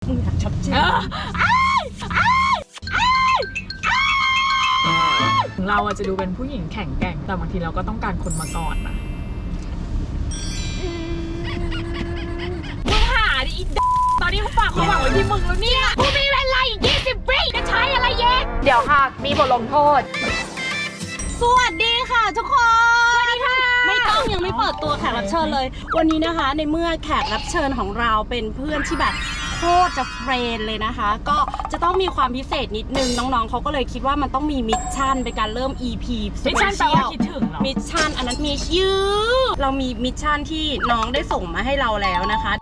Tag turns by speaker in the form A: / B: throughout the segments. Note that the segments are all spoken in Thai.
A: มึงอยากชัดเจน
B: เราจะดูเป็นผู้หญิงแข็งแกร่งแต่บางทีเราก็ต้องการคนมาก่อนนะมึงหาดิอีตอนนี้เขาฝากความหวังไว้ที่มึงแล้วเนี่ยกูมีเวลาอีก20 วิจะใช้อะไรเย็นเดี๋ยวค่ะมีบทลงโทษ
A: สวัสดีค่ะทุกคนสวัสดีค่ะไม่ต้องยังไม่เปิดตัวแขกรับเชิญเลยวันนี้นะคะในเมื่อแขกรับเชิญของเราเป็นเพื่อนที่แบบโคตรจะเฟรนเลยนะคะก็จะต้องมีความพิเศษนิดนึงน้องๆเขาก็เลยคิดว่ามันต้องมีมิชชั่นเป็นการเริ่ม EP
B: มิชชั่นแปลว่าคิดถึงเหรอ
A: มิชชั่นอันนั้นมีชื่อเรามีมิชชั่นที่น้องได้ส่งมาให้เราแล้วนะคะ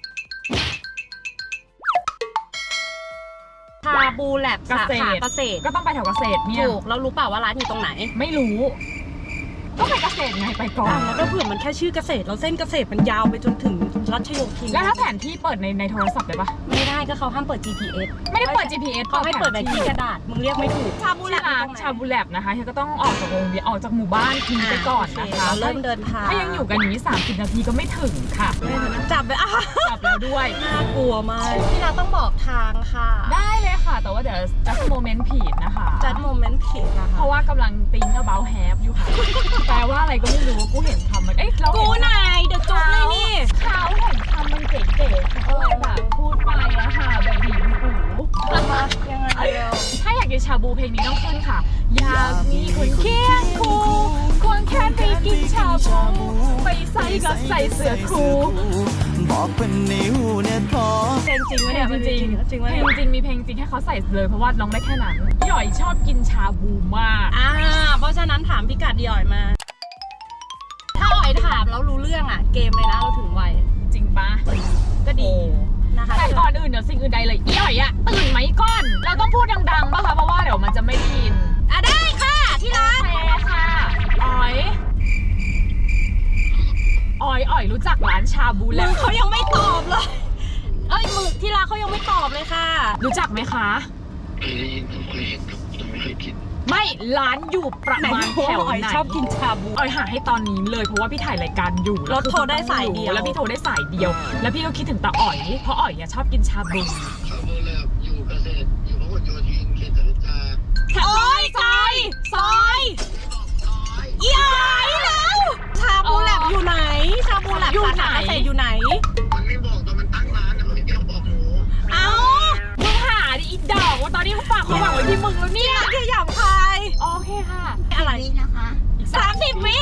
A: ชาบูแลบสาขาเกษตร
B: ก็ต้องไปแถวเกษตรเนี่ย
A: ถูกแล้วรู้เปล่าว่าร้านอยู่ตรงไหน
B: ไม่รู้ก็ไปเกษตรไงไปก่อน
A: แล้วก็เผื่อมันแค่ชื่อเกษตรเราเส้นเกษตรมันยาวไปจนถึงรัชโยธิน
B: แล้วถ้าแผนที่เปิดในโทรศัพท์ได้ปะ
A: ไม่ได้ก็เขาห้ามเปิด GPS
B: ไม่ได้เปิด GPS
A: เขาให้เปิดแบบที่กระดาษมึงเรียกไม่ถูก
B: ชาบูแลบนะคะเธอก็ต้องออกจากโรงเรียนออกจากหมู่บ้านทีไปก่อนนะคะ
A: เริ่มเดินทาง
B: ถ้ายังอยู่กันอย่างนี้30 นาทีก็ไม่ถึงค่ะ
A: จับไป
B: จับแล้วด้วย
A: น่ากลัวมากพี่เราต้องบอกทางค่ะ
B: ได้เลยค่ะแต่ว่าเดี๋ยวจัดโมเมนต์ผิดนะคะ
A: จัดโมเมนต์ผิดนะคะ
B: เพราะว่ากำลังติ้งabout have อยู่ค่ะแปลว่าอะไรก็ไม่รู้กูเห็นคำมันเรา
A: กูไหนเดี๋ยวจบเลยนี่
B: เขาเห็นคำมันเก๋ๆเขาเลยแบบพูดไปอะค่ะแบบบีบหู
A: ยังไง
B: ถ้าอยากกินชาบูเพลงนี้ต้องขึ้นค่ะอยากมีคนเคียงคู่ควงแค่ไปกินชาบูไปใส่ก็ใส่เสื้อคู่
C: บอกเป็นนิ้วเนี่ยท้อ
A: เพลงจริงไหมเนี่ย
B: จริงเพลงจริงมีเพลงจริงให้เขาใส่เลยเพราะว่าร้องได้แค่นั้นหย่อยชอบกินชาบูมาก
A: เพราะฉะนั้นถามพี่กัดหย่อยมาถ้าอ๋อยถามแล้วรู้เรื่องอ่ะเกมเลยนะเราถึงไว
B: จริงปะ
A: ก็ดีนะคะ
B: แต่ก่อนอื่นเดี๋ยวสิ่งอื่นใดเลยอ๋อยอะตื่นไหมก่อนเราต้องพูดดังๆป่ะคะเพราะว่าเดี๋ยวมันจะไม่ได้ยิน
A: ได้ค่ะที่รัก
B: โอเคค่ะอ๋อยรู้จักร้านชาบูแล้ว
A: เขายังไม่ตอบเลยมึงที่รักเขายังไม่ตอบเลยค่ะ
B: รู้จักไหมคะ
C: เคยได้ยินเคยเห็นครับแต่ไม่เคยกิน
B: ไม่ร้านอยู่ประมาณแถวไหน
A: ชอบกินชาบู
B: อ๋อยหาให้ตอนนี้เลยเพราะว่าพี่ถ่ายรายการอยู่
A: แล้วโทรได้สายเดียว
B: แล้วพี่โทรได้สายเดียวแล้วพี่ก็คิดถึงตาอ๋อยเพราะอ๋อยชอบกินชาบู
C: ชาบูแลบอยู่เกษตรอยู่พหลโยธินเขตจตุจักร
A: ซอยอีอ๋อยแล้วชาบูแลบอยู่ไหนชาบูแลบสาขาเกษตรอยู่ไหน
C: มันไม่บอกตอนมันตั้งร้านมันไม่ยอมบอกหนู
B: มึงหาดิอีดอกว่าตอนนี้เขาฝากความหวังไว้ที่มึงแล้วเนี่ย
A: ที่หยาบคาย
B: โอเคค่ะ
A: อะไรนะคะ30 วิ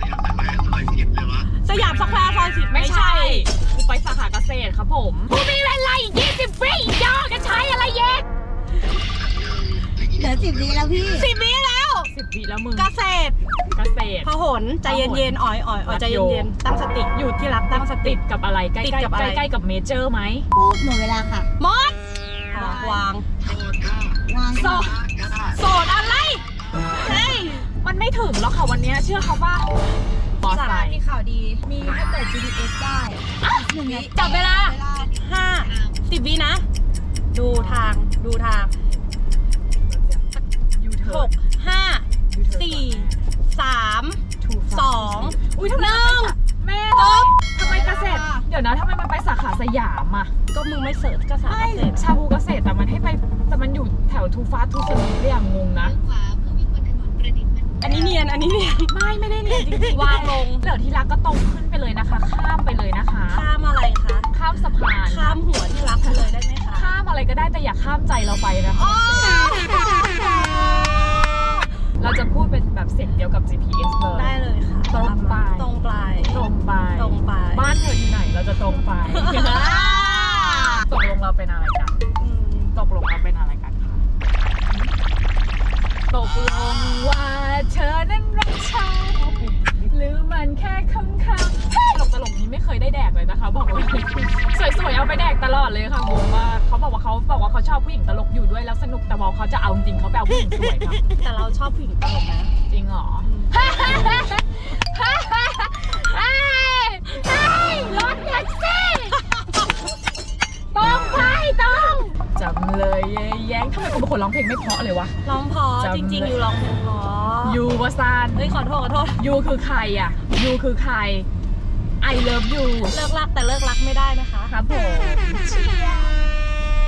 A: สยามสแควร์ซอย10
B: ไม่ใช่กูไปสาขาเกษตรครับผมกูมีเวลาอีก20 วิยอจะใช้อะไรเย็น
D: เหลือ10 วิแล้วพี่
A: 10 วิแล้ว
B: 10 วิแล้วมึง
A: เกษตรพหลใจเย็นๆอ๋อยใจเย็นๆตั้งสติอยู่ที่รักตั้งสติ
B: กับอะไรใกล้กับเมเจอร์ไหม
D: หมดเวลาค่ะ
A: มดวางโสดอะไรเฮ้ย
B: มันไม่ถึงหรอกค่ะวันนี้เชื่อเขาป่ะ
D: สาระมีข่าวดีมีให้เปิด GPS ได้
A: 1 วิจับเวลา10 วินะดูทาง6 5 4 3 2 1
B: แม่ทำไมเกษตรเดี๋ยวนะทำไมมันไปสาขาสยามอ่ะ
A: ก็มึงไม่เสิร์ชก็สาขาเกษตร
B: ชาบูเกษตรแต่มันให้ไปแต่มันอยู่แถวทูฟาทูสมีเรียงงงนะ
A: อันนี้เนียน
B: ไม่ได้เนียนจริงๆ
A: วางลง
B: เหลือที่รักก็ตรงขึ้นไปเลยนะคะข้ามไปเลยนะคะ
A: ข้ามอะไรคะ
B: ข้ามสะพาน
A: ข้ามหัวที่รักไปเลยได้ไหมคะ
B: ข้ามอะไรก็ได้แต่อย่าข้ามใจเราไปนะคะเราจะพูดเป็นแบบเสียงเดียวกับ GPS เลย
A: ได้เลยค่ะ
B: ตรงไปบ้านเธออยู่ไหนเราจะตรงไปตกลงเราเป็นอะไรกันคะตกลงว่าเธอนั้นรักฉันหรือมันแค่คำตลกนี้ไม่เคยได้แดกเลยนะคะบอกเลยสวยๆเอาไปแดกตลอดเลยค่ะงงมากเขาบอกว่าเขาชอบผู้หญิงตลกอยู่ด้วยแล้วสนุกแต่บอกเขาจะเอาจริงเขาแปลผู้หญิงสวยครับ
A: แต่เราชอบผู้หญิงตลกนะ
B: จริงเหรอรถแท็กซี่ต้องจำเลยแย้งทำไมคนเป็นคนร้องเพลงไม่เพราะเลยวะ
A: ร้องเพราะจริงๆยูร้องเพลงเพราะ
B: ยูวาซาน
A: ขอโทษ
B: ยูคือใครอ่ะยูคือใคร I love you
A: เลิกรักแต่เลิกรักไม่ได้นะคะ
B: ครับผม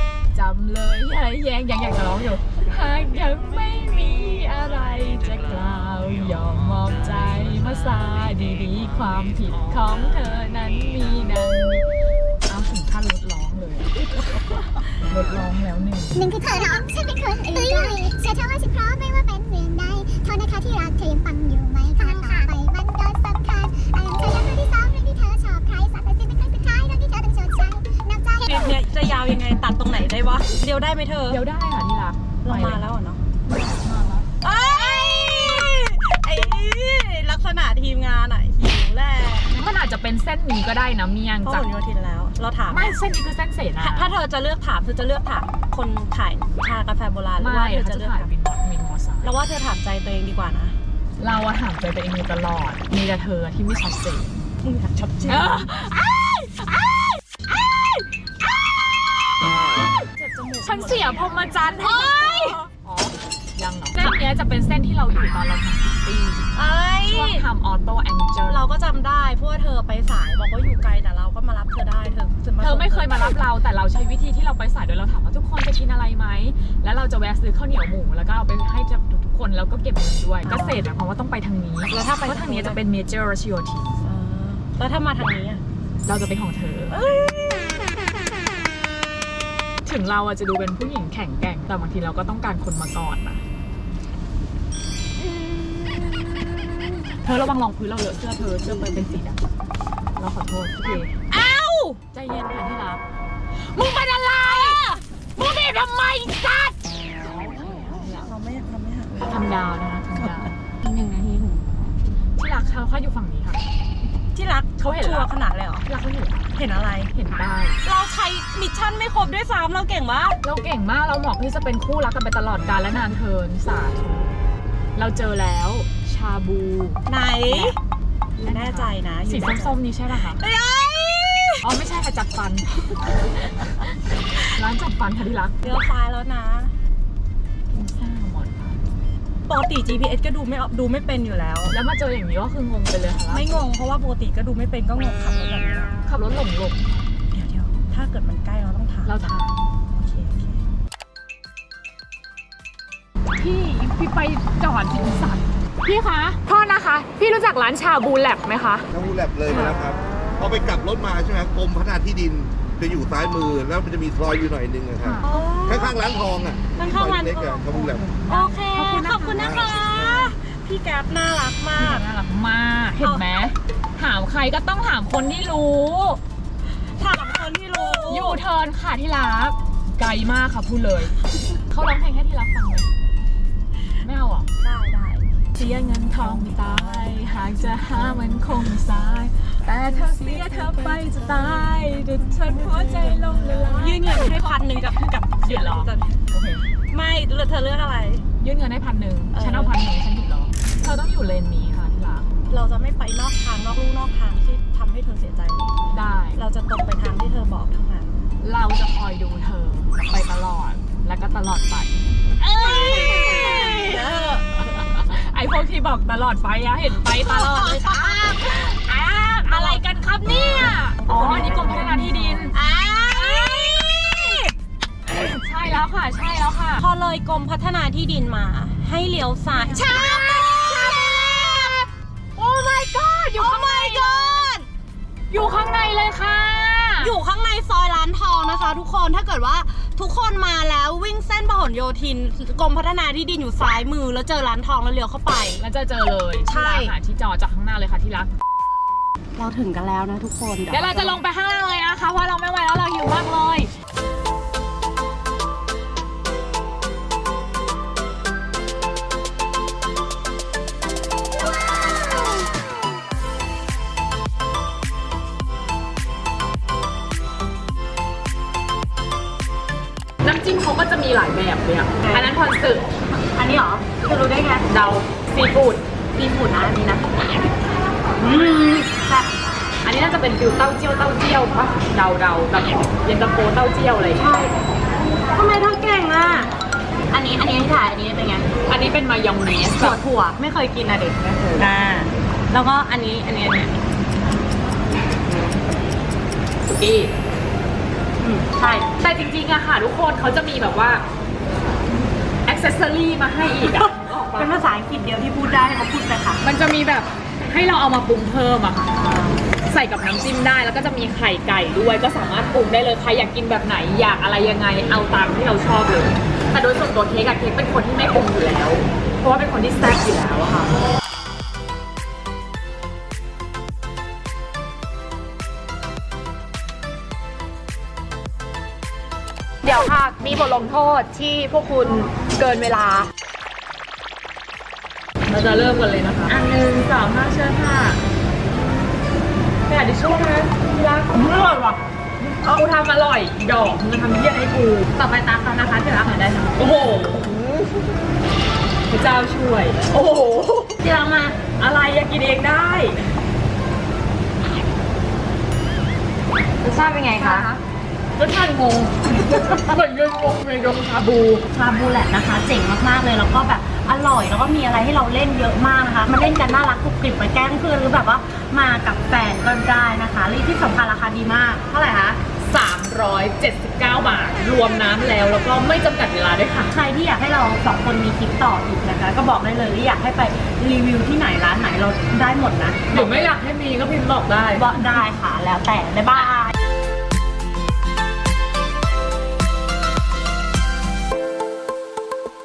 B: ยังอยากจะร้องอยู่หากยังไม่มีอะไรจะกล่าวยอมมอบใจมาซาดีๆความผิดของเธอนั้นมีดังนี้เอาถึงขั้นลดร้องเลยลดร้องแล้วหนึ่ง
E: หนึ่งคือเธอร้องฉันเป็นคนตุ้ยเชื่อเธอว่าฉันพร้อมไม่ว่าเป็นเรื่องใดโทษนะคะที่รักเธอยังฟังอยู่ไหมคำต่อไปมันก็สำคัญเธอยังเรื่องที่สองเรื่องที่เธอชอบใครสักแต่สิ้นเป็นครั้งสุดท้ายเรื่องที่เธอต้องชดใช้น้ำใจ
A: คลิปเนี่ยจะยาวยังไงตัดตรงไหนได้วะเดี๋ยวได้ไหมเธอ
B: เดี๋ยวได้ค่ะที่รัก
A: เรามาแล้วเนาะ
B: มาแล้ว
A: ไอ้ลักษณะทีมงานอะหิวแหละ
B: มันอาจจะเป็นเส้นนี้ก็ได้นะเมียง
A: เพราะ
B: จาก
A: ผลโยธินแล้ว เราถาม
B: ไม่เส้นนี้คือเส้นเสนา
A: ถ้าเธอจะเลือกถามเธอจะเลือกถามคนขายชากาแฟโบราณหรือ
B: ไม่
A: ว่าเธอ
B: เขา
A: จะ
B: จะ
A: เลือก
B: ถ่าย
A: ถาม
B: วินมอไซค์
A: เราว่าเธอถามใจตัวเองดีกว่านะ
B: เราอะถามใจตัวเองอยู่ตลอดมีแต่เธอที่ไม่ชัดเจน
A: มึงอยากชัดเจนเจ็บจมูก
B: ฉันเสียพรหมจรรย์ให้อ๋อยังเหรอเส้นเนี้ยจะเป็นเส้นที่เราอยู่ตอนเราทำพิตตี้
A: ไอ้
B: ช่วงทำออโต้แองเจิล
A: เราก็จำได้เพราะว่าเธอไปสายบอกว่าอยู่ไกลแต่เราก็มารับเธอได้เธอ
B: เธอไม่เคยมารับเราแต่เราใช้วิธีที่เราไปสายโดยเราถามว่าทุกคนจะกินอะไรไหมแล้วเราจะแวะซื้อข้าวเหนียวหมูแล้วก็เอาไปให้ทุกคนแล้วก็เก็บเงินด้วยเกษตรหมายความว่าต้องไปทางนี้
A: แล้วถ้าไป
B: เพราะทางนี้จะเป็นเมเจอร์รัชโยธิน
A: แล้วถ้ามาทางนี้อะ
B: เราจะเป็นของเธอ ถึงเราอะจะดูเป็นผู้หญิงแข็งแกร่งแต่บางทีเราก็ต้องการคนมาก่อนนะเธอระวังรองพื้นเราเลอะเสื้อเธอเสื้อเป็นสีดำเราขอโทษพี่เอ้าใจเย็นค่ะที่รักมึงเป็นอะไรมึงบีบทำไมสัตว์
A: เราไม่หักเลย
B: ทำดาวนะคะทำดาว
A: 1 นาทีถึง
B: ที่รักเขาอยู่ฝั่งนี้ค่ะ
A: ที่รัก
B: เขาเห็น
A: ชัว
B: แล้ว
A: ร์ขนาดเลยเหรอ
B: ที่รักเขาอยู่
A: เห็นอะไร
B: เห็นได้
A: เราใช้มิชชั่นไม่ครบด้วยซ้ำเราเก่งปะ
B: เราเก่งมากเราเหมาะที่จะเป็นคู่รักกันไปตลอดกาลและนานเทินสาธุเราเจอแล้วชาบู
A: ไหนแน่ใจนะ
B: สีส้มๆนี้ใช่ป่ะคะ
A: เอ้ย
B: อ๋อไม่ใช่ค่ะจัดฟัน ร้านจัดฟันค่ะที่รัก
A: เลี้ยวซ้ายแล้วนะ
B: พิซซ่าหมอนค่ะ
A: ปกติ GPS ก็ดูไม่เป็นอยู่แล้ว
B: แล้วมาเจออย่างนี้ก็คืองงไปเลยค่ะ
A: ไม่งงเพราะว่าปกติก็ดูไม่เป็นก็งงขับรถแบบนี้
B: ขับรถหลง
A: เดี๋ยวถ้าเกิดมันใกล้เราต้องถาม
B: เราถาม
A: โอเค
B: พี่ไปจอดถึงสัตว์พี่คะโทษนะคะ พี่รู้จักร้านชาบูแลบไหมคะ
F: ชาบูแลบเลยมาแล้วครับพอไปกลับรถมาใช่ไหมครับกรมพัฒนาที่ดินจะอยู่ซ้ายมือแล้วมันจะมีซอยอยู่หน่อยนึงอะครับข้างๆร้านทองอ่ะ
A: ข้างๆร้าน
F: เล็ก
A: ทอง
F: ๆชาบูแลบ
A: โอเค ขอบคุณนะคะ พี่แก๊ปน่ารักมาก
B: น่ารักมากเห็นไหมถามใครก็ต้องถามคนที่รู้
A: ถามคนที่รู้
B: ยูเทิร์นค่ะที่รักไกลมากค่ะพูดเลยเขาร้องเพลงให้ที่รักฟังไหมไม่เอาอ่ะ
A: ได้
B: เสียเงินทองไม่ตายหากจะหามันคงไม่สาย แต่ถ้าเสียเธอไปจะตายดุดฉันหัวใจลงละลาย
A: ยื่นเงินให้1,000กับ
B: หยุดเหรอ โอเค
A: ไม่เธอเลือกอะไร
B: ยื่นเงินให้1,000ฉันเอา1,000ฉันหยุดเหรอเธอต้องอยู่เลนนี้ค่ะที่รัก
A: เราจะไม่ไปนอกทางนอกลู่นอกทางที่ทำให้เธอเสียใจเลย
B: ได้
A: เราจะตรงไปทางที่เธอบอกเท่านั้น
B: เราจะคอยดูเธอไปตลอดและก็ตลอดไป ไอพวกที่บอกตลอดไปอะเห็นไปตลอดเลยค่ะอะไรกันครับเนี่ยอ๋ออันนี้กรมพัฒนาที่ดินใช่แล้วค่ะ ใช่แล้วค่ะ
A: พอเลยกรมพัฒนาที่ดินมาให้เลี้ยวซ้ายชาโอ้ my god อยู่ข้างใน
B: อยู่ข้างในเลยค่ะ
A: อยู่ข้างในซอยร้านทองนะคะ ทุกคนถ้าเกิดว่าทุกคนมาแล้ววิ่งเส้นพหลโยธินกรมพัฒนาที่ดินอยู่ซ้ายมือแล้วเจอร้านทองแล้วเลี้ยวเข้าไป
B: แล้วจะเจอเลย
A: ใช่
B: ที่ร้านอาหารที่จอจากข้างหน้าเลยค่ะที่รัก
A: เราถึงกันแล้วนะทุกคน
B: เดี๋ยวเราจะลงไปข้างล่างเลยนะคะเพราะเราไม่ไหวแล้วเราหิวมากเลย น้ำจิ้มเขาก็จะมีหลายแบบเลยอ่ะ อันนั้นพรสึก
A: อันนี้เหรอจะรู้ได้ไง
B: เดาซีฟู้ด
A: ซีฟู้ดนะอันนี้นะแบบ
B: อันนี้น่าจะเป็นฟิวเต้าเจี้ยวปะเดาแบบเย็นตาโฟเต้าเจี้ยวอะไรอย่างเงี้ย
A: ทำไมเธอเก่งอ่ะอันนี้ที่ถ่ายอันนี้เป็นไง
B: อันนี้เป็นมายองเนส
A: ถั่วไม่เคยกินอะเด็กไม่เคยแล้วก็อันนี้
B: สุกี้
A: อืม
B: ใช่ แต่จริงๆอะค่ะทุกคนเขาจะมีแบบว่าอ็อกเซสซอรี่มาให้อีกอะออกปะ
A: เป็นภาษาอังกฤษเดียวที่พูดได้เขาพูดไปค่ะ
B: มันจะมีแบบให้เราเอามาปรุงเพิ่มอะค่ะ ใส่กับน้ำจิ้มได้แล้วก็จะมีไข่ไก่ด้วยก็สามารถปรุงได้เลยใครอยากกินแบบไหนอยากอะไรยังไงเอาตามที่เราชอบเลยแต่โดยส่วนตัวเค้กอะเค้กเป็นคนที่ไม่ปรุงอยู่แล้ว เพราะว่าเป็นคนที่แซ่บอยู่แล้วอะค่ะเดี๋ยวค่ะมีบทลงโทษที่พวกคุณเกินเวลาเราจะเริ่มกันเลยนะคะ1 2 5เชิญค่ะแต่ดิช่วงนะที่รักอร่อยว่ะกูทำอร่อยอีดอกมึงทำเยี่ยให้กูต่อไปตามเขานะคะที่รักหน่อยได้นะโอ้โหพระเจ้าช่วยโอ้โหที่รักมาอะไรอยากกินเองได้รสชาติเป็นไงคะรสชาติงงเหมือนยืนงงในดงชาบู
A: แหละนะคะ เจ๋งมากๆเลยแล้วก็แบบอร่อยแล้วก็มีอะไรให้เราเล่นเยอะมากนะคะมาเล่นกันน่ารักกรุบกริบมาแกล้งเพื่อนหรือแบบว่ามากับแฟนก็ได้นะคะและที่สำคัญราคาดีมากเท่าไหร่คะ
B: 379 บาทรวมน้ำแล้วก็ไม่จำกัดเวลาด้วยค่ะ
A: ใครที่อยากให้เราสองคนมีคลิปต่ออีกนะคะก็บอกได้เลยว่าอยากให้ไปรีวิวที่ไหนร้านไหนเราได้หมดนะ
B: หรือไม่อยากให้มีก็พิมพ์บอกได้
A: บอกได้ค่ะแล้วแต่บ๊ายบาย